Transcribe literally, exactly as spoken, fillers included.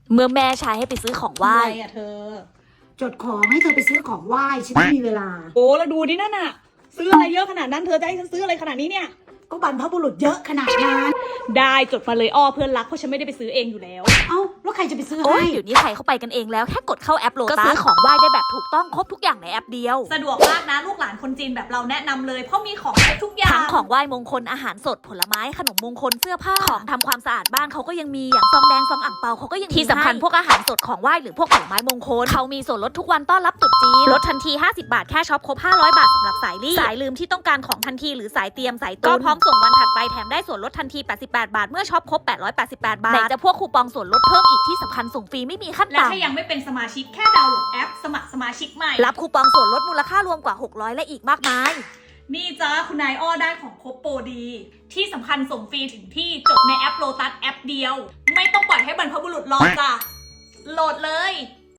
เมื่อแม่ใช้ให้ไปซื้อของไหว้อะไรอะเธอจดของให้เธอไปซื้อของไหว้ฉันไม่มีเวลาโอ้แล้วดูดินั่นน่ะซื้ออะไรเยอะขนาดนั้นเธอจะให้ฉันซื้ออะไรขนาดนี้เนี่ยก็บรรพบุรุษเยอะขนาดนั้นได้จดมาเลยอ้อเพื่อนรักเพราะฉันไม่ได้ไปซื้อเองอยู่แล้วเอ้าแล้วใครจะไปซื้อโอ้ให้ยเดี๋ยวนี้ใครเข้าไปกันเองแล้วแค่กดเข้าแอปโลตัสก็ซื้อของไหว้ได้แบบถูกต้องครบทุกอย่างในแอปเดียวสะดวกมากนะลูกหลานคนจีนแบบเราแนะนำเลยเพราะมีของครบทุกอย่างทั้งของไหว้มงคลอาหารสดผลไม้ขนมมงคลเสื้อผ้าของทำความสะอาดบ้านเขาก็ยังมีอย่างซองแดงซองอ่างเปาเขาก็ยังมีที่สำคัญพวกอาหารสดของไหว้หรือพวกผลไม้มงคลเขามีส่วนลดทุกวันต้อนรับตรุษจีนลดทันทีห้าสิบบาทแค่ช็อปครบห้าร้อยบาทสำหรับสายรีบสายลืมที่ต้องการของทันทีหรือสายเตรียมสายตุนก็พร้อมส่งวันถัดไปแถมได้ส่วนลดทันทีแปดสิบแปดบาทเมื่อช็อปครบแปดร้อยแปดสิบแปดบาทไหนจะพวกคูปองส่วนลดเพิ่มอีกที่สำคัญส่งฟรีไม่มีขั้นและต่ำถ้ายังไม่เป็นสมาชิกแค่ดาวน์โหลดแอป สมัครสมาชิกใหม่รับคูปองส่วนลดมูลค่ารวมกว่าหกร้อยและอีกมากมายนี่จ้าคุณนายอ้อได้ของครบโปรดี ที่สำคัญส่งฟรีถึงที่จบในแอปโลตัสแอปเดียว ไม่ต้องปล่อยให้บรรพบุรุษรอจ้ะโหลดเลย